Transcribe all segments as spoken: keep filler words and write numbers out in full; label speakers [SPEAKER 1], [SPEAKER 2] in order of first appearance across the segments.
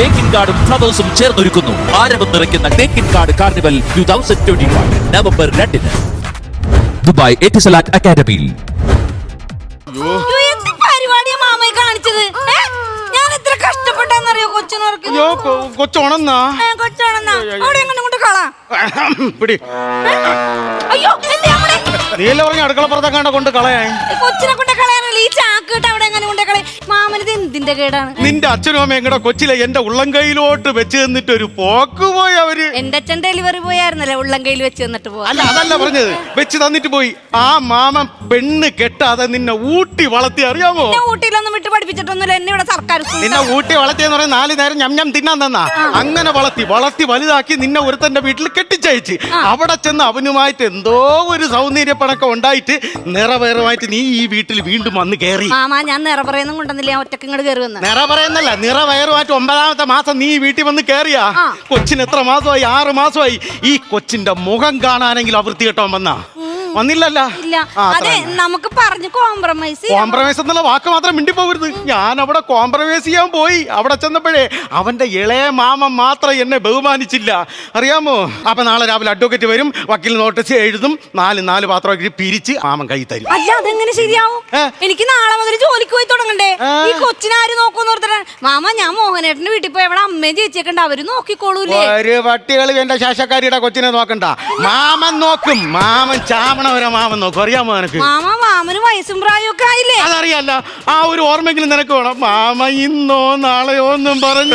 [SPEAKER 1] തേക്കിൻ കാർഡും ഫ്ലവേഴ്സും ചേർന്നൊരുക്കുന്നു ആരവം നിറയ്ക്കുന്ന തേക്കിൻ കാർഡ് carnival two thousand twenty one November രണ്ടിന് ദുബായ് എറ്റിസലാറ്റ് അക്കാദമിയിൽ.
[SPEAKER 2] കൊച്ചോണെന്നാ നീല പറഞ്ഞ അടുക്കളപ്പുറത്തെക്കാണ്ട കൊണ്ട് കളയാൻ
[SPEAKER 3] കൊച്ചിനെ കൊണ്ട് കളയാനല്ല ഈ ചാക്കിട്ട് അവിടെ എങ്ങനെ കൊണ്ട് കളയും മാമനത് എന്തിന്റെ കേടാണ്?
[SPEAKER 2] നിന്റെ അച്ഛനും അമ്മ എങ്ങടെ കൊച്ചിലെ എന്റെ ഉള്ളം കൈയിലോട്ട് വെച്ച് തന്നിട്ട് ഒരു പോക്ക് പോയി അവര്.
[SPEAKER 3] എന്റെ അച്ഛൻ ഡെലിവറി പോയായിരുന്നല്ലേ ഉള്ളം കയ്യിൽ വെച്ച് തന്നിട്ട് പോവാ.
[SPEAKER 2] അല്ല അതല്ല പറഞ്ഞത്, വെച്ച് തന്നിട്ട് പോയി. ആ മാമൻ പെണ്ണ് കെട്ടാതെ നിന്നെ ഊട്ടി വളർത്തി അറിയാമോ?
[SPEAKER 3] ഊട്ടിയിലൊന്നും വിട്ട് പഠിപ്പിച്ചിട്ടൊന്നുമില്ല എന്നെ ഇവിടെ സർക്കാർ.
[SPEAKER 2] നിന്നെ ഊട്ടി വളർത്തിയെന്ന് പറയാൻ നാല് നേരം ഞം ഞം തിന്നാൻ തന്നാ. അങ്ങനെ വളർത്തി വളർത്തി വലുതാക്കി നിന്നെ ഒരുത്തന്റെ വീട്ടിൽ കെട്ടിച്ചയച്ച് അവിടെ ചെന്ന് അവനുമായിട്ട് എന്തോ ഒരു സൗന്ദര്യപ്പണക്കം ഉണ്ടായിട്ട് നിറവേറുമായിട്ട് നീ ഈ വീട്ടിൽ വീണ്ടും വന്ന് കയറി.
[SPEAKER 3] മാമാ ഞാൻ നിറ പറയുന്നും കൊണ്ടുവന്നില്ല, ഒറ്റക്ക് ഇങ്ങോട്ട് കയറി വന്ന്.
[SPEAKER 2] നിറ പറയുന്നല്ല, നിറ വയറുമായിട്ട് ഒമ്പതാമത്തെ മാസം നീ വീട്ടിൽ വന്ന് കയറിയാ. കൊച്ചിന് എത്ര മാസമായി? ആറ് മാസമായി. ഈ കൊച്ചിന്റെ മുഖം കാണാനെങ്കിലും അവൃത്തി കേട്ടോ വന്നാ വന്നില്ലല്ലോ.
[SPEAKER 3] അതെ നമുക്ക് പറഞ്ഞു കോംപ്രമൈസ്
[SPEAKER 2] കോംപ്രമൈസ് എന്നുള്ള വാക്ക് മാത്രം മിണ്ടി പോകരുത്. ഞാൻ അവിടെ കോംപ്രമൈസ് ചെയ്യാൻ പോയി. അവിടെ ചെന്നപ്പോഴേ അവന്റെ ഇളയ മാമൻ മാത്രം എന്നെ ബഹുമാനിച്ചില്ല അറിയാമോ? അപ്പൊ നാളെ രാവിലെ അഡ്വക്കേറ്റ് വരും, വക്കീൽ നോട്ടീസ് എഴുതും, നാല് നാല് പാത്രം പിരിച്ച് മാമൻ കൈ തരും.
[SPEAKER 3] അല്ല അതെങ്ങനെ ശരിയാവും? എനിക്ക് നാളെ മുതൽ ജോലിക്ക് പോയി തുടങ്ങണ്ടേ? ഈ കൊച്ചിനെ ആര് നോക്കൂന്ന് ഓർത്തിട്ടാണ് മാമ. ഞാൻ മോഹനേട്ടന്റെ വീട്ടിൽ പോയി അവിടെ അമ്മയും ചേച്ചിയൊക്കെ അവര് നോക്കിക്കോളൂലേ.
[SPEAKER 2] ഒരു പട്ടികളി എന്റെ ശാശക്കാരിയുടെ കൊച്ചിനെ നോക്കണ്ട, മാമൻ നോക്കും. മാമൻ ചാമ മാമൻ നോക്കും അറിയാമോ നിനക്ക്?
[SPEAKER 3] മാമ മാമന് വയസ്സും പ്രായമൊക്കെ ആയില്ലേ?
[SPEAKER 2] അതറിയാല്ല. ആ ഒരു ഓർമ്മയെങ്കിലും നിനക്ക് വേണം. മാമ ഇന്നോ നാളെയോ ഒന്നും പറഞ്ഞു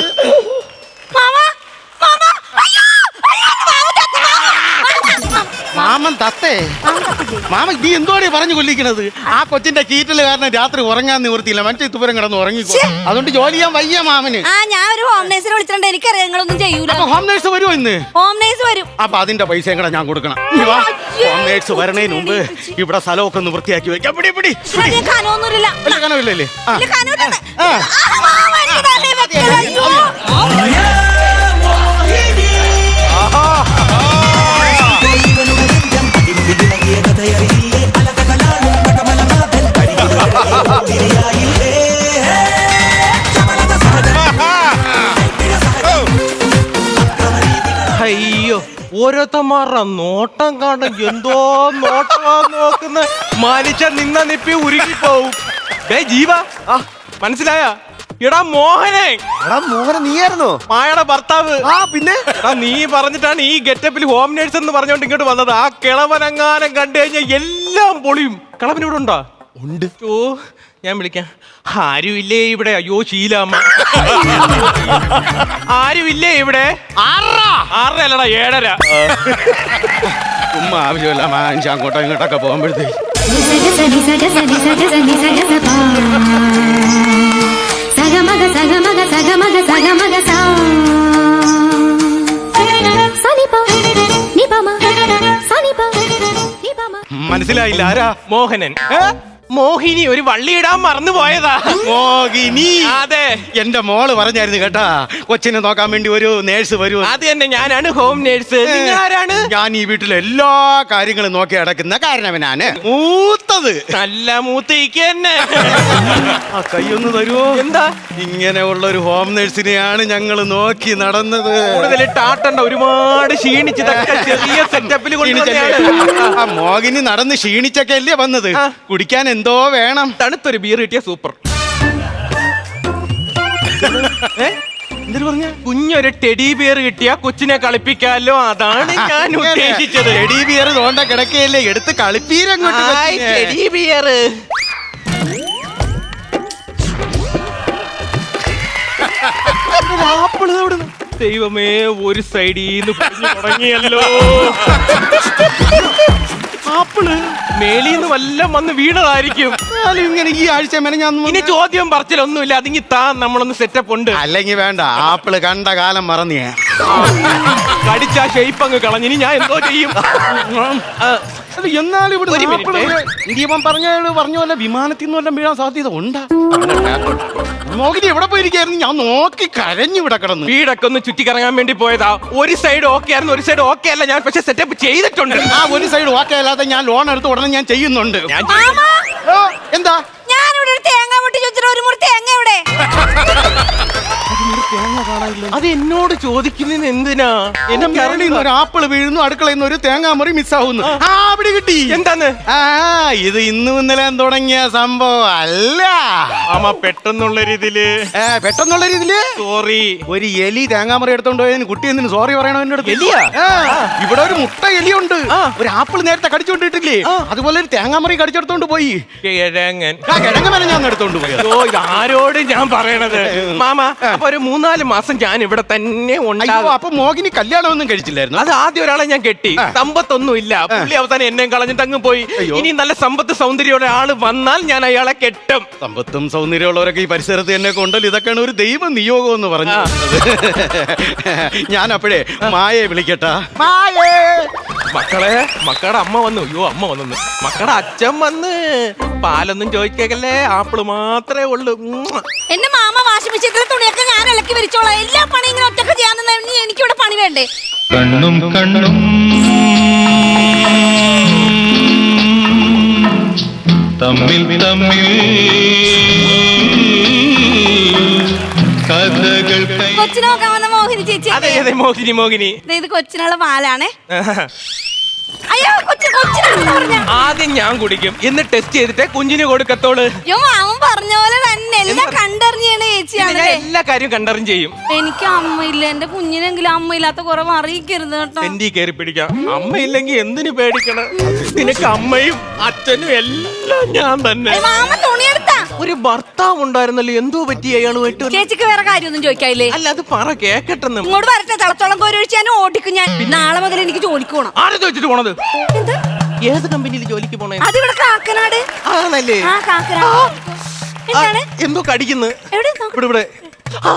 [SPEAKER 2] മാമൻ തത്തേ. മാമ നീ എന്തോടെ പറഞ്ഞു കൊല്ലിക്കണത്? ആ കൊച്ചിന്റെ കീറ്റല് കാരണം രാത്രി ഉറങ്ങാൻ നിവൃത്തിയില്ല. മറ്റേ തുപരം കിടന്ന് ഉറങ്ങിക്കോ. അതുകൊണ്ട് ജോലി ചെയ്യാൻ വയ്യ മാമന്.
[SPEAKER 3] ആ ഞാൻ ഒരു ഹോം നേഴ്സിനെ വിളിച്ചിട്ടുണ്ട്. എനിക്കറിയാം നിങ്ങളൊന്നും ചെയ്യൂല.
[SPEAKER 2] ഹോം നേഴ്സ് വരുമോ ഇന്ന്?
[SPEAKER 3] ഹോം നേഴ്സ് വരും.
[SPEAKER 2] അപ്പൊ അതിന്റെ പൈസ എങ്ങനെ ഞാൻ കൊടുക്കണം? ഹോം നേഴ്സ് വരണേന് മുമ്പ് ഇവിടെ സ്ഥലമൊക്കെ ഒന്ന് വൃത്തിയാക്കി വെക്കാം. പിടി പിടി
[SPEAKER 3] കനൊന്നുമില്ല.
[SPEAKER 2] കനവില്ലല്ലേ?
[SPEAKER 4] അയ്യോ ഓരോരുത്തന്മാരുടെ നോട്ടം കാണും. എന്തോ നോട്ടമാ നോക്കുന്ന മനുഷ്യൻ നിന്ന നിപ്പി ഉരുകിപ്പോവും. ഡേ ജീവ മനസ്സിലായ? എടാ മോഹനെ.
[SPEAKER 5] എടാ മോഹന നീയായിരുന്നോ?
[SPEAKER 4] മായയുടെ ഭർത്താവ്.
[SPEAKER 5] ആ പിന്നെ
[SPEAKER 4] നീ പറഞ്ഞിട്ടാണ് ഈ ഗെറ്റപ്പിൽ ഹോം നേഴ്സ് എന്ന് പറഞ്ഞോണ്ട് ഇങ്ങോട്ട് വന്നത്. ആ കിളവനങ്ങാനം കണ്ടു കഴിഞ്ഞാൽ എല്ലാം പൊളിയും. കിളവൻ ഇവിടെ ഉണ്ടോ? ഉണ്ട്. ഓ ഞാൻ വിളിക്കാം. ആരുമില്ലേ ഇവിടെ? അയ്യോ ശീലാമ്മ. ആരുമില്ലേ ഇവിടെ? ആറര അല്ലടാ ഏഴര.
[SPEAKER 2] ഉമ്മ ആവശ്യമില്ല മനുഷ്യ അങ്ങോട്ടോ ഇങ്ങോട്ടൊക്കെ പോകുമ്പോഴത്തേക്ക് മനസ്സിലായില്ല. ആരാ?
[SPEAKER 4] മോഹനൻ. മോഹിനി ഒരു വള്ളിയിടാൻ മറന്നു പോയതാ.
[SPEAKER 2] മോഹിനി?
[SPEAKER 4] അതെ,
[SPEAKER 2] എന്റെ മോള് പറഞ്ഞായിരുന്നു കേട്ടാ, കൊച്ചിനെ നോക്കാൻ വേണ്ടി ഒരു നേഴ്സ് വരൂ.
[SPEAKER 4] അത് തന്നെ, ഞാനാണ് ഹോം നേഴ്സ്. നിങ്ങൾ ആരാണ്?
[SPEAKER 2] ഞാൻ ഈ വീട്ടിലെ എല്ലാ കാര്യങ്ങളും നോക്കി അടക്കുന്ന കാരണവനാണ്. മൂത്തത്
[SPEAKER 4] നല്ല മൂത്തേക്ക് തന്നെ.
[SPEAKER 2] ആ കൈയൊന്ന് തരുമോ?
[SPEAKER 4] എന്താ?
[SPEAKER 2] ഇങ്ങനെയുള്ള ഒരു ഹോം നേഴ്സിനെയാണ് ഞങ്ങൾ നോക്കി നടന്നത്.
[SPEAKER 4] കൂടുതൽ ടാട്ടണ്ട, ഒരുപാട് ക്ഷീണിച്ചതൊക്കെ ചെറിയ സെറ്റപ്പിൽ
[SPEAKER 2] ആ മോഹിനി നടന്ന് ക്ഷീണിച്ചൊക്കെ അല്ലേ വന്നത്. കുടിക്കാൻ എന്തോ വേണം.
[SPEAKER 4] തണുത്തൊരു ബീർ കിട്ടിയ സൂപ്പർ.
[SPEAKER 2] എന്തിനു പറഞ്ഞ?
[SPEAKER 4] കുഞ്ഞൊരു ടെഡി ബിയർ കിട്ടിയ കൊച്ചിനെ കളിപ്പിക്കാലോ, അതാണ് ഞാൻ ഉദ്ദേശിച്ചത്.
[SPEAKER 2] ടെഡി ബിയർ തോണ്ട കിടക്കയല്ലേ, എടുത്ത് കളിപ്പീരങ്ങോട്ട്.
[SPEAKER 4] ടെഡി ബിയർ ദൈവമേ, ഒരു സൈഡിൽ തുടങ്ങിയല്ലോ. ആപ്പിള് മേലിന്ന് വല്ലം വന്ന് വീണതായിരിക്കും.
[SPEAKER 2] ഇങ്ങനെ ഈ ആഴ്ച
[SPEAKER 4] ഇനി ചോദ്യം പറച്ചിലൊന്നുമില്ല. അതിങ്ങി താ, നമ്മളൊന്ന് സെറ്റപ്പ് ഉണ്ട്.
[SPEAKER 2] അല്ലെങ്കിൽ വേണ്ട, ആപ്പിള് കണ്ട കാലം മറന്നിയ
[SPEAKER 4] കടിച്ച ഷേപ്പ് അങ്ങ് കളഞ്ഞിനി ഞാൻ എന്തോ ചെയ്യും.
[SPEAKER 2] എന്നാലും ഇവിടെ പറഞ്ഞ പറഞ്ഞ പോലെ വിമാനത്തിൽ നിന്ന് വല്ലതും വീഴാൻ സാധ്യത ഉണ്ടാ? മോഹിനി എവിടെ പോയിരിക്കായിരുന്നു? ഞാൻ നോക്കി കരഞ്ഞു ഇവിടെ കിടന്നു.
[SPEAKER 4] വീടൊക്കെ ഒന്ന് ചുറ്റിക്കറങ്ങാൻ വേണ്ടി പോയതാ. ഒരു സൈഡ് ഓക്കെ ആയിരുന്നു, ഒരു സൈഡ് ഓക്കെ അല്ല. ഞാൻ പക്ഷെ സെറ്റപ്പ് ചെയ്തിട്ടുണ്ട്.
[SPEAKER 2] ആ ഒരു സൈഡ് ഓക്കെ അല്ലാതെ ഞാൻ ലോൺ എടുത്ത് ഉടനെ ഞാൻ ചെയ്യുന്നുണ്ട്. എന്താ?
[SPEAKER 3] ഞാനിവിടെ ഒരു തേങ്ങ പൊട്ടി ചോദിച്ചിട്ട് ഒരു മുറി തേങ്ങ എവിടെ?
[SPEAKER 2] തേങ്ങ കാണാനില്ല.
[SPEAKER 4] അത് എന്നോട് ചോദിക്കുന്നതിന് എന്തിനാ?
[SPEAKER 2] എന്റെ മേളിൽ
[SPEAKER 4] എനിക്കറിയില്ല.
[SPEAKER 2] നിന്ന് ഒരു ആപ്പിൾ വീഴുന്നു, അടുക്കളയിൽ നിന്ന് ഒരു തേങ്ങാമുറി മിസ്സാവുന്നു. ആ അവിടെ കിട്ടി.
[SPEAKER 4] എന്താന്ന്?
[SPEAKER 2] ആ ഇത് ഇന്നും ഇന്നലെ തുടങ്ങിയ സംഭവം അല്ല.
[SPEAKER 4] മാമ പെട്ടെന്നുള്ള രീതിയില്
[SPEAKER 2] ഏ, പെട്ടെന്നുള്ള രീതിയില്
[SPEAKER 4] സോറി.
[SPEAKER 2] ഒരു എലി തേങ്ങാമുറി എടുത്തോണ്ട് പോയതിന് കുട്ടി എന്തിനു സോറി പറയണോ എന്റെ അടുത്ത്?
[SPEAKER 4] എലിയാ?
[SPEAKER 2] ആ, ഇവിടെ ഒരു മുട്ട എലിയുണ്ട്.
[SPEAKER 4] ആ.
[SPEAKER 2] ഒരു ആപ്പിൾ നേരത്തെ കടിച്ചോണ്ടിട്ടില്ലേ, അതുപോലെ ഒരു തേങ്ങാമുറി കടിച്ചെടുത്തോണ്ട് പോയി.
[SPEAKER 4] കിഴങ്ങൻ.
[SPEAKER 2] ആ കിഴങ്ങ് വരെ ഞാൻ എടുത്തോണ്ട് പോയി.
[SPEAKER 4] ഓ ഇതാരോട് ഞാൻ പറയണത് മാമ. അപ്പൊ ഒരു മൂന്നാല് മാസം ഞാൻ ഇവിടെ തന്നെ
[SPEAKER 2] അയ്യോ,
[SPEAKER 4] ഉണ്ടാകും.
[SPEAKER 2] അപ്പൊ മോഹിനി കല്യാണം ഒന്നും കഴിച്ചില്ലായിരുന്നു?
[SPEAKER 4] അത് ആദ്യം ഒരാളെ ഞാൻ കെട്ടി. സമ്പത്തൊന്നും ഇല്ല. പുള്ളി അവസാനം എന്നെ കളഞ്ഞിട്ട് അങ്ങ് പോയി.
[SPEAKER 2] അയ്യോ.
[SPEAKER 4] ഇനി നല്ല സമ്പത്ത് സൗന്ദര്യമുള്ള ആള് വന്നാൽ ഞാൻ അയാളെ കെട്ടും.
[SPEAKER 2] സമ്പത്തും സൗന്ദര്യമുള്ളവരൊക്കെ ഈ പരിസരത്ത് തന്നെ കൊണ്ടല്ലോ. ഇതൊക്കെയാണ് ഒരു ദൈവ നിയോഗം എന്ന് പറഞ്ഞു. ഞാൻ അപ്പോഴേ മായയെ വിളിക്കട്ടാ. മായേ,
[SPEAKER 4] മക്കളെ, മക്കളുടെ അമ്മ വന്നു. അയ്യോ അമ്മ വന്നു. മക്കളുടെ അച്ഛൻ വന്ന്. പാലൊന്നും ചോദിക്കല്ലേ, ആപ്പിള് മാത്രമേ ഉള്ളൂ. ഉമ്മുവ.
[SPEAKER 3] എന്റെ മാമ വാഷിംഗ് മെഷീനിലെ തുണിയൊക്കെ ഞാൻ ഇളക്കി വിരിച്ചോളാം. എല്ലാ പണി ഇങ്ങനെ ഒറ്റക്ക് ചെയ്യാൻ എനിക്കിവിടെ പണി വേണ്ടേ?
[SPEAKER 5] കണ്ണും കണ്ണും തമ്മിൽ തമ്മിൽ കഥകൾ കൈ
[SPEAKER 3] കൊച്ചിനെ നോക്കാൻ വന്ന മോഹിനി ചേച്ചി.
[SPEAKER 4] അതെ അതെ മോഹിനി മോഹിനി.
[SPEAKER 3] ദേ, ഇത് കൊച്ചിനുള്ള പാലാണേ. അയ്യോ കൊച്ചു കൊച്ചിനാണെന്ന് പറഞ്ഞ.
[SPEAKER 4] ആദ്യം ഞാൻ കുടിക്കും, എന്നിട്ട് ടെസ്റ്റ് ചെയ്തിട്ട് കുഞ്ഞിന് കൊടുക്കത്തോള്.
[SPEAKER 3] അയ്യോ മാമൻ പറഞ്ഞ പോലെ തന്നെ എല്ലാം കണ്ടറിഞ്ഞാണ്
[SPEAKER 4] ഞാൻ
[SPEAKER 3] ചേച്ചിയാണ്.
[SPEAKER 4] എല്ലാ കാര്യവും കണ്ടറിഞ്ഞ് ചെയ്യും.
[SPEAKER 3] എനിക്ക് അമ്മയില്ല, എന്റെ കുഞ്ഞിനെങ്കിലും അമ്മയില്ലാത്ത കുറവ് അറിയിക്കരുത് കേട്ടോ.
[SPEAKER 4] എന്റെ കയറി പിടിക്കാം. അമ്മയില്ലെങ്കിൽ എന്തിനു പേടിക്കണം? നിനക്ക് അമ്മയും അച്ഛനും എല്ലാം ഞാൻ തന്നെ.
[SPEAKER 3] ഏയ്, മാമ തുണിയെടുത്താ?
[SPEAKER 4] ഒരു ഭർത്താവ് ഉണ്ടായിരുന്നല്ലോ, എന്തോ പറ്റി അയാളുമായിട്ട്?
[SPEAKER 3] ചേച്ചിക്ക് വേറെ കാര്യമൊന്നും ചോദിക്കായില്ലേ?
[SPEAKER 4] അല്ല അത് പറ കേക്കട്ടെന്ന്.
[SPEAKER 3] ഇങ്ങോട്ട് വരട്ടെ, തിളച്ചോളം കോരി ഒഴിച്ച് ഞാൻ ഓടിക്കും. ഞാൻ നാളെ മുതൽ എനിക്ക് ജോലിക്ക് പോണം.
[SPEAKER 4] ആരെ ചോദിച്ചിട്ട് പോണത്?
[SPEAKER 3] എന്താ?
[SPEAKER 4] ഏത് കമ്പനിയിൽ ജോലിക്ക് പോണേ?
[SPEAKER 3] അതിവിടെ കാക്കനാട്.
[SPEAKER 4] ആണല്ലേ?
[SPEAKER 3] ആ കാക്കനാട്. എന്താണ്?
[SPEAKER 4] ആ, എന്തോ കടിക്കുന്നു.
[SPEAKER 3] എവിടെ നോക്ക്.
[SPEAKER 4] ഇവിടെ ഇവിടെ. ആ,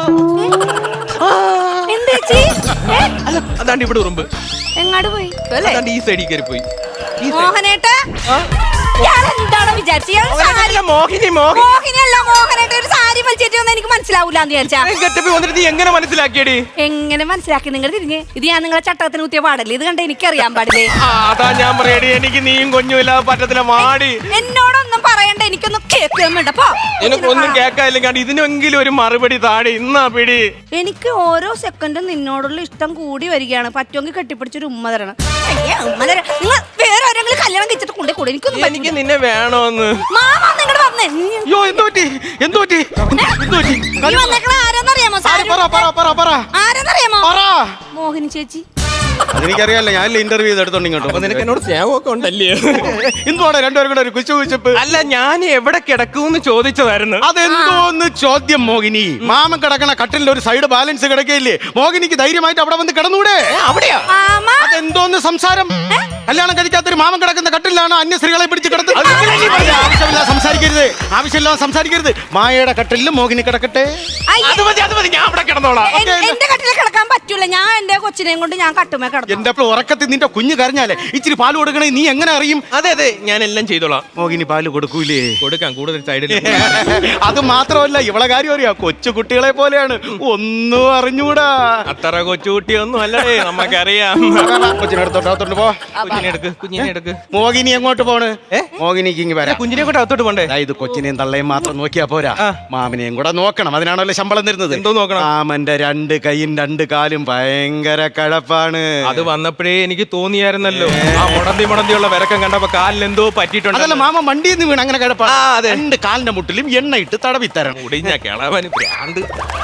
[SPEAKER 4] ആ.
[SPEAKER 3] എന്താ ചേച്ചി? ഏ?
[SPEAKER 4] അല്ല അതാണ്ട് ഇവിടെ ഉറുമ്പ്.
[SPEAKER 3] എങ്ങാട് പോയി അല്ലേ?
[SPEAKER 4] അതാണ്ട് ഈ സൈഡിൽ കയറി പോയി. ഈ side.
[SPEAKER 3] മോഹനേട്ടാ,
[SPEAKER 4] ആ?
[SPEAKER 3] ഇയാൾ എന്താണ് വിചാരിച്ചത്? ഇയാൾ സാരി
[SPEAKER 4] അവനല്ല, മോഹിനി മോഹിനി.
[SPEAKER 3] മോഹിനിയല്ല, മോഹനേട്ട ഒരു സാരി വലിച്ചേറ്റ് വന്ന് എനിക്ക് മനസ്സിലാവൂല എന്ന് വിചാരിച്ചാ.
[SPEAKER 4] ഗെറ്റപ്പിൽ വന്നിട്ട് നീ എങ്ങനെ മനസ്സിലാക്കിയടി?
[SPEAKER 3] എങ്ങനെ മനസ്സിലാക്കി? നിങ്ങൾ തിരിഞ്ഞ് ഇത് ഞാൻ നിങ്ങളെ ചട്ടത്തിന് കുത്തിയ പാടല്ലേ? ഇത് കണ്ട എനിക്കറിയാൻ പാടില്ലേ?
[SPEAKER 4] ആ, അതാ ഞാൻ പറയടി, എനിക്ക് നീയും കുഞ്ഞുമില്ലാതെ പറ്റത്തില്ല. മാടി.
[SPEAKER 3] എന്നോടൊന്നും പറയണ്ട, എനിക്കൊന്നും കേൾക്കാൻ വേണ്ട. പോ.
[SPEAKER 4] നിനക്കൊന്നും കേൾക്കാനില്ലെങ്കിൽ ഇതിനെങ്കിലും ഒരു മറുപടി താടി. ഇന്നാ പിടി.
[SPEAKER 3] എനിക്ക് ഓരോ സെക്കൻഡും നിന്നോടുള്ള ഇഷ്ടം കൂടി വരികയാണ്. പറ്റുമെങ്കിൽ കെട്ടിപ്പിടിച്ചൊരു ഉമ്മ തരണം. അയ്യേ, ഉമ്മ തരാം. നിങ്ങൾ വേറെ ആരെങ്കിലും കല്യാണം കഴിച്ചിട്ട് കൊണ്ടേ കൂടെ എനിക്കൊന്നും
[SPEAKER 4] എനിക്ക് നിന്നെ വേണോന്ന്.
[SPEAKER 3] മാമ നിങ്ങട് വന്നേ.
[SPEAKER 2] അയ്യോ എന്തോ പറ്റി, എന്തോ പറ്റി, എന്തോ പറ്റി?
[SPEAKER 3] നീ വന്നേക്കണ ആരെന്നറിയാമോ?
[SPEAKER 2] ആര്? പറ പറ പറ പറ
[SPEAKER 3] ആരെന്നറിയാമോ?
[SPEAKER 2] പറ.
[SPEAKER 3] മോഹിനി ചേച്ചി.
[SPEAKER 2] അതെനിക്കറിയാലോ, ഞാനല്ലേ ഇന്റർവ്യൂ ചെയ്തെടുത്തോണ്ട്
[SPEAKER 4] അപ്പൊ
[SPEAKER 2] ഇങ്ങോട്ട്.
[SPEAKER 4] നിനക്ക് എന്നോട് സ്നേഹമൊക്കെ ഉണ്ടല്ലേ?
[SPEAKER 2] എന്തുവാണ് രണ്ടുപേരും കൂടെ ഒരു കുച്ചു കുച്ചപ്പ്?
[SPEAKER 4] അല്ല ഞാൻ എവിടെ കിടക്കൂന്ന് ചോദിച്ചതായിരുന്നു.
[SPEAKER 2] അതെന്തോന്ന് ചോദ്യം മോഹിനി? മാമൻ കിടക്കണ കട്ടിലിന്റെ ഒരു സൈഡ് ബാലൻസ് കിടക്കയില്ലേ? മോഹിനിക്ക് ധൈര്യമായിട്ട് അവിടെ വന്ന് കിടന്നൂടെ?
[SPEAKER 4] ഏ, അവിടെയാ?
[SPEAKER 3] മാമ
[SPEAKER 2] അതെന്തോന്ന് സംസാരം? കല്യാണം കഴിക്കാത്തൊരു മാമൻ കിടക്കുന്ന കട്ടിലാണ് അന്യ സ്ത്രീകളെ പിടിച്ച് കിടത്തുന്നത്. ആവശ്യമില്ല സംസാരിക്കരുത്, ആവശ്യമില്ലാതെ സംസാരിക്കരുത്. മായയുടെ കട്ടിലിൽ മോഹിനി കിടക്കട്ടെ.
[SPEAKER 3] അയ്യേ,
[SPEAKER 4] അത് മതി അത് മതി, ഞാൻ അവിടെ കിടന്നോളാം.
[SPEAKER 3] എൻ- എന്റെ കട്ടിലെ കിടക്കാൻ പറ്റൂല. ഞാൻ എന്റെ കൊച്ചിനെയും കൊണ്ട് ഞാൻ കട്ടുമേ കിടന്നു.
[SPEAKER 2] എന്റെ അപ്പോൾ ഉറക്കത്തിൽ നിന്റെ കുഞ്ഞ് കരഞ്ഞാലേ ഇച്ചിരി പാല് കൊടുക്കണേ, നീ എങ്ങനെ അറിയും?
[SPEAKER 4] അതെ അതെ, ഞാൻ എല്ലാം ചെയ്തോളാം.
[SPEAKER 2] മോഹിനി പാല് കൊടുക്കൂലേ?
[SPEAKER 4] കൊടുക്കാം, കൂടുതൽ സൈഡിൽ.
[SPEAKER 2] അത് മാത്രമല്ല, ഇവളെ കാര്യം അറിയാം, കൊച്ചു കുട്ടികളെ പോലെയാണ്, ഒന്നും അറിഞ്ഞൂടാ.
[SPEAKER 4] അത്ര കൊച്ചുകുട്ടിയൊന്നും അല്ലേ, നമുക്കറിയാം.
[SPEAKER 2] കൊച്ചിനടുത്തോട്ട് പോ.
[SPEAKER 4] കുഞ്ഞിനെ എടുക്ക്, കുഞ്ഞിനെ എടുക്ക്.
[SPEAKER 2] മോഹിനി എങ്ങോട്ട് പോണ്?
[SPEAKER 4] ഏ?
[SPEAKER 2] മോഹിനിക്ക് ഇങ്ങ് വരാം.
[SPEAKER 4] കുഞ്ഞിനെ കൂടെ അകത്തോട്ട് പോണ്ടേ?
[SPEAKER 2] അതായത് കൊച്ചിനെയും തള്ളയും മാത്രം നോക്കിയാ പോരാ,
[SPEAKER 4] ആ.
[SPEAKER 2] മാമനെയും കൂടെ നോക്കണം. അതിനാണല്ലോ ശമ്പളം തരുന്നത്.
[SPEAKER 4] എന്തോ നോക്കണം?
[SPEAKER 2] മാമന്റെ രണ്ട് കൈയും രണ്ട് കാലും ഭയങ്കര കഴപ്പാണ്.
[SPEAKER 4] അത് വന്നപ്പോഴേ എനിക്ക് തോന്നിയായിരുന്നല്ലോ. ആ മുടന്തി മുടന്തിയുള്ള വിരക്കം കണ്ടപ്പോ കാലിന് എന്തോ പറ്റിയിട്ടുണ്ട്.
[SPEAKER 2] അതല്ല, മാമ വണ്ടിയിൽ നിന്ന് വീണ് അങ്ങനെ കഴപ്പാണ്.
[SPEAKER 4] ആ, അതെ.
[SPEAKER 2] രണ്ട് കാലിന്റെ മുട്ടിലും എണ്ണ ഇട്ട് തടവി തരണം.
[SPEAKER 4] മുടിഞ്ഞ കിളവന് ഭ്രാന്ത്.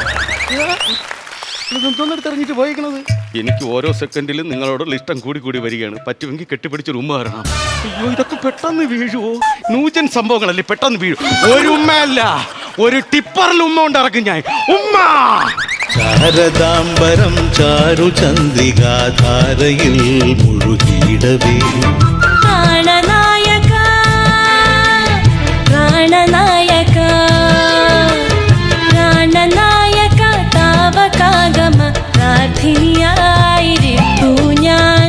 [SPEAKER 2] ഇതെന്തോന്നെടുത്തെറിഞ്ഞിട്ട് പോയിക്കണത്? എനിക്ക് ഓരോ സെക്കൻഡിലും നിങ്ങളോടുള്ള ഇഷ്ടം കൂടി കൂടി വരികയാണ്. പറ്റുമെങ്കിൽ കെട്ടിപ്പിടിച്ചൊരു ഉമ്മ തരണം. അയ്യോ, ഇതൊക്കെ പെട്ടെന്ന് വീഴുവോ? നൂജൻ സംഭവങ്ങളല്ലേ, പെട്ടെന്ന് വീഴും. ഒരു ഉമ്മയല്ല, ഒരു ടിപ്പറിൽ ഉമ്മ കൊണ്ട് ഇറക്കും ഞാൻ. ഉമ്മ
[SPEAKER 6] ശാരദാംബരം ചാരു ചന്ദ്രികാധാരയിൽ മുഴുകിയിടവേ
[SPEAKER 7] പ്രാണനായക പ്രാണനായക പ്രാണനായക താവകാഗമ പ്രാർത്ഥിനിയായിരിപ്പു ഞാൻ.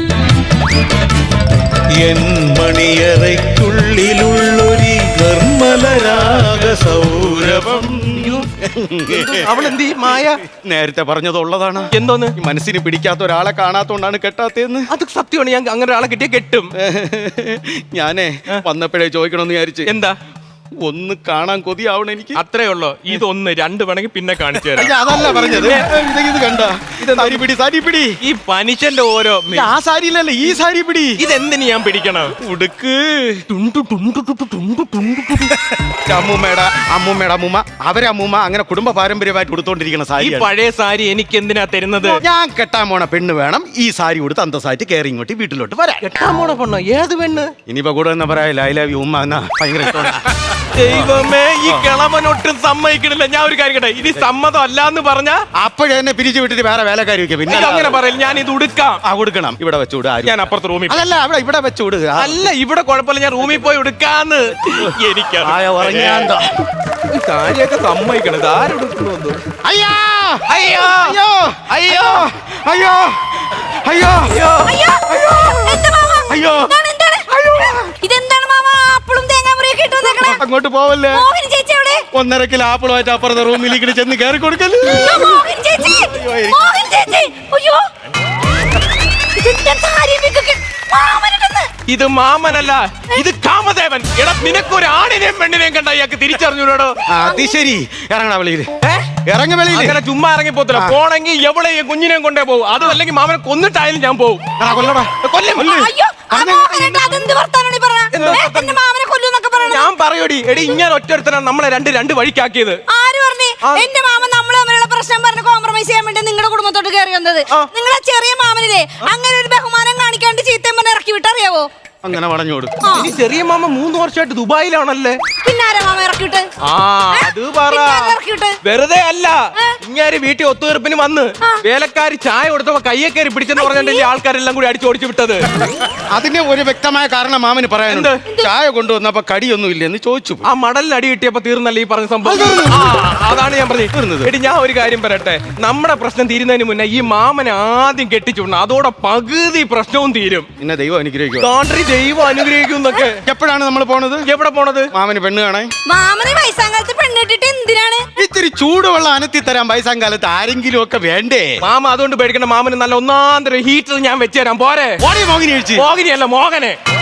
[SPEAKER 6] എൻ മണിയറയ്ക്കുള്ളിലുള്ളൊരു നിർമ്മലരാഗ സൗരഭം.
[SPEAKER 4] അവളെന്ത് ഈ മായ?
[SPEAKER 2] നേരത്തെ പറഞ്ഞതുള്ളതാണ്.
[SPEAKER 4] എന്തോന്ന്?
[SPEAKER 2] ഈ മനസ്സിന് പിടിക്കാത്ത ഒരാളെ കാണാത്തോണ്ടാണ് കെട്ടാത്തേന്ന്.
[SPEAKER 4] അത് സത്യമാണ്. ഞാൻ അങ്ങനെ ഒരാളെ കിട്ടിയ കെട്ടും.
[SPEAKER 2] ഞാനേ വന്നപ്പോഴേ ചോദിക്കണമെന്ന് വിചാരിച്ച്.
[SPEAKER 4] എന്താ?
[SPEAKER 2] ഒന്ന് കാണാൻ കൊതിയാവണം എനിക്ക്.
[SPEAKER 4] അത്രേ ഉള്ളൂ. ഇതൊന്ന് രണ്ട് വേണമെങ്കിൽ പിന്നെ കാണിച്ചു തരാം.
[SPEAKER 2] അയ്യ, അതല്ല പറഞ്ഞത്. ഇത് ഇത് കണ്ട, സാരി പിടി, സാരി പിടി.
[SPEAKER 4] ഈ മനുഷ്യന്റെ ഓരോ
[SPEAKER 2] ഇത് ആ സാരിയിലല്ല, ഈ സാരി പിടി.
[SPEAKER 4] ഇതെന്തിന് ഞാൻ പിടിക്കണം?
[SPEAKER 2] ഉടുക്ക്.
[SPEAKER 4] ടുണ്ടു ടുണ്ടു ടുണ്ടു ടുണ്ടു ടുണ്ടു ടുണ്ടു.
[SPEAKER 2] അമ്മൂമ്മയുടെ അമ്മൂമ്മയുടെ അമ്മൂമ്മ, അവരെ അമ്മൂമ്മ അങ്ങനെ കുടുംബ പാരമ്പര്യമായിട്ട് ഉടുത്തോണ്ടിരിക്കുന്ന
[SPEAKER 4] ഈ
[SPEAKER 2] സാരി.
[SPEAKER 4] പഴയ സാരി എനിക്ക് എന്തിനാ തരുന്നത്?
[SPEAKER 2] ഞാൻ കെട്ടാൻ പോണ പെണ്ണ് വേണം ഈ സാരി കൊടുത്ത് അന്തസ്സായിട്ട് കയറി ഇങ്ങോട്ട് വീട്ടിലോട്ട് വരാം.
[SPEAKER 4] കെട്ടാൻ പോണ പെണ്ണോ? ഏത് പെണ്ണ്?
[SPEAKER 2] ഇനിയിപ്പോ കൂടെ എന്നാ പറയാ, ഐ ലവ് യു ഉമ്മ എന്നാ ഭയങ്കര ഇഷ്ടമാണ്.
[SPEAKER 4] ദൈവമേ, ഈ കിളവനൊട്ടും സമ്മതിക്കണില്ല. ഞാൻ ഒരു കാര്യം കേട്ടെ, ഇനി സമ്മതം അല്ലാന്ന് പറഞ്ഞാ
[SPEAKER 2] അപ്പോഴേ എന്നെ പിരിച്ചു വിട്ടിട്ട് വേറെ വേലക്കാരി വെക്കാം. പിന്നെ
[SPEAKER 4] ഇത് അങ്ങനെ പറയില്ല. ഞാൻ ഇത് ഉടുക്കാം.
[SPEAKER 2] ആ കൊടുക്കണം, ഇവിടെ വെച്ചുവിടുക.
[SPEAKER 4] ഞാൻ അപ്പുറത്ത് റൂമിൽ.
[SPEAKER 2] അതല്ല, അവിടെ ഇവിടെ വെച്ചുവിടുക.
[SPEAKER 4] അല്ല, ഇവിടെ കുഴപ്പമില്ല. ഞാൻ റൂമിൽ പോയി എടുക്കാന്ന്. എനിക്കറിയാം.
[SPEAKER 2] ആയ ഉറങ്ങാന്തോ.
[SPEAKER 4] കാര്യമൊക്കെ സമ്മതിക്കണത് ആരെടുക്കുന്നു?
[SPEAKER 2] അയ്യോ
[SPEAKER 4] അയ്യോ
[SPEAKER 2] അയ്യോ
[SPEAKER 4] അയ്യോ
[SPEAKER 2] അയ്യോ അയ്യോ
[SPEAKER 4] അയ്യോ
[SPEAKER 3] അയ്യോ എന്താ മാമ?
[SPEAKER 2] അയ്യോ
[SPEAKER 3] എന്താണ്, എന്താണ്? ഇതെന്താണ് മാമ? ആപ്പിളും തേങ്ങാമുറിയൊക്കെ ഇട്ട് വന്നേക്കണെ?
[SPEAKER 2] അങ്ങോട്ട് പോവല്ലേ.
[SPEAKER 3] മോഹിനി ചേച്ചി എവിടെ?
[SPEAKER 2] ഒന്നര കിലോ ആപ്പിളുമായിട്ട് അപ്പുറത്തെ റൂമിലേക്ക് ചെന്ന് കയറി കൊടുക്കല്.
[SPEAKER 3] അയ്യോ, മോഹിനി ചേച്ചി, മോഹിനി ചേച്ചി, അയ്യോ ഇതെന്താ സാരി ഇതൊക്കെ? മാമനിട്ടെന്ന്.
[SPEAKER 4] ഇത് മാമനല്ല, ഇത് കാമദേവൻ. എടാ, നിനക്കൊരു ആണിനെയും പെണ്ണിനെയും കണ്ട ഇയാൾക്ക് തിരിച്ചറിഞ്ഞൂടോ?
[SPEAKER 2] അത് ശരി. ഇറങ്ങണ വെളിയില്, ഇറങ്ങ വെളിയില്.
[SPEAKER 4] അങ്ങനെ ചുമ്മാ ഇറങ്ങി പോത്തില്ല. പോണെങ്കിൽ എവിടെ കുഞ്ഞിനെയും കൊണ്ടേ പോകും. അതും അല്ലെങ്കിൽ മാമനെ കൊന്നിട്ടായാലും ഞാൻ പോകും.
[SPEAKER 2] കൊല്ലടാ.
[SPEAKER 4] കൊല്ലും.
[SPEAKER 3] അയ്യോ, ആ മോഹനേട്ടാ, അതെന്ത് വർത്താനാണ് ഈ പറഞ്ഞത്? ഏ, എന്റെ മാമനെ കൊല്ലൂന്നൊക്കെ പറയണത്?
[SPEAKER 4] ഞാൻ പറയൂടി, എടി ഇങ്ങനെ ഒറ്റൊരുത്തനാണ് നമ്മളെ രണ്ട് രണ്ട് വഴിക്കാക്കിയത്.
[SPEAKER 3] ആര് പറഞ്ഞു? എന്റെ മാമൻ നമ്മള് തമ്മിലുള്ള പ്രശ്നം പറഞ്ഞ് കോംപ്രമൈസ് ചെയ്യാൻ വേണ്ടി നിങ്ങളുടെ കുടുംബത്തോട്ട് കയറി വന്നത്. നിങ്ങളെ ചെറിയ മാമനില്ലേ അങ്ങനെ ഒരു ബഹുമാനം കാണിക്കാണ്ട് ചീത്തയും പറഞ്ഞ് ഇറക്കി വിട്ടറിയാവോ?
[SPEAKER 2] അങ്ങനെ വളഞ്ഞോട്.
[SPEAKER 4] ഇനി ചെറിയ മാമ മൂന്ന് വർഷമായിട്ട് ദുബായിലാണല്ലേ.
[SPEAKER 3] പിന്നാരാ മാമ ഇറക്കിവിട്ട്?
[SPEAKER 4] ആ അത് പറ.
[SPEAKER 3] പിന്നാരാ ഇറക്കിവിട്ട്?
[SPEAKER 4] വെറുതെ അല്ല, ഇങ്ങനെ വീട്ടിൽ ഒത്തുതീർപ്പിന് വന്ന് വേലക്കാരി ചായ കൊടുത്തപ്പോ കയ്യെ കയറി പിടിച്ചെന്ന് പറഞ്ഞിട്ടല്ലേ ആൾക്കാരെല്ലാം കൂടി അടിച്ചു ഓടിച്ചു വിട്ടത്.
[SPEAKER 2] അതിന് ഒരു വ്യക്തമായ കാരണം മാമന് പറയാനുണ്ട്. ചായ കൊണ്ടുവന്നപ്പോ കടിയൊന്നും ഇല്ലെന്ന് ചോദിച്ചു.
[SPEAKER 4] ആ മടലിന് അടി കിട്ടിയപ്പോ തീർന്നല്ലേ ഈ പറഞ്ഞ സംഭവം. ആ, അതാണ് ഞാൻ പറഞ്ഞത്. എടി, ഞാൻ ഒരു കാര്യം പറയട്ടെ, നമ്മുടെ പ്രശ്നം തീരുന്നതിന് മുന്നേ ഈ മാമനെ ആദ്യം കെട്ടിച്ചുവിടണം. അതോടെ പകുതി പ്രശ്നവും തീരും.
[SPEAKER 2] പിന്നെ ദൈവം അനുഗ്രഹിക്കും.
[SPEAKER 4] കാണ്ട്രി ദൈവം അനുഗ്രഹിക്കും എന്നൊക്കെ.
[SPEAKER 2] എപ്പോഴാണ് നമ്മൾ പോണത്?
[SPEAKER 4] എവിടെ പോണത്?
[SPEAKER 2] മാമന് പെണ്ണ് കാണാൻ.
[SPEAKER 3] മാമന് വയസ്സാങ്കാലത്ത് പെണ്ണിട്ടിട്ട് എന്തിനാണ്?
[SPEAKER 2] ഇത്തിരി ചൂടുവെള്ളം അനത്തി തരാൻ വയസ്സാം കാലത്ത് ആരെങ്കിലും ഒക്കെ വേണ്ടേ?
[SPEAKER 4] മാമ അതുകൊണ്ട് പേടിക്കണ്ട. മാമന് നല്ല ഒന്നാന്തര ഹീറ്റർ ഞാൻ വെച്ചുതരാം. പോരെ?
[SPEAKER 2] മോഹിനി കഴിച്ച്
[SPEAKER 4] മോഹിനിയല്ല, മോഹനെ.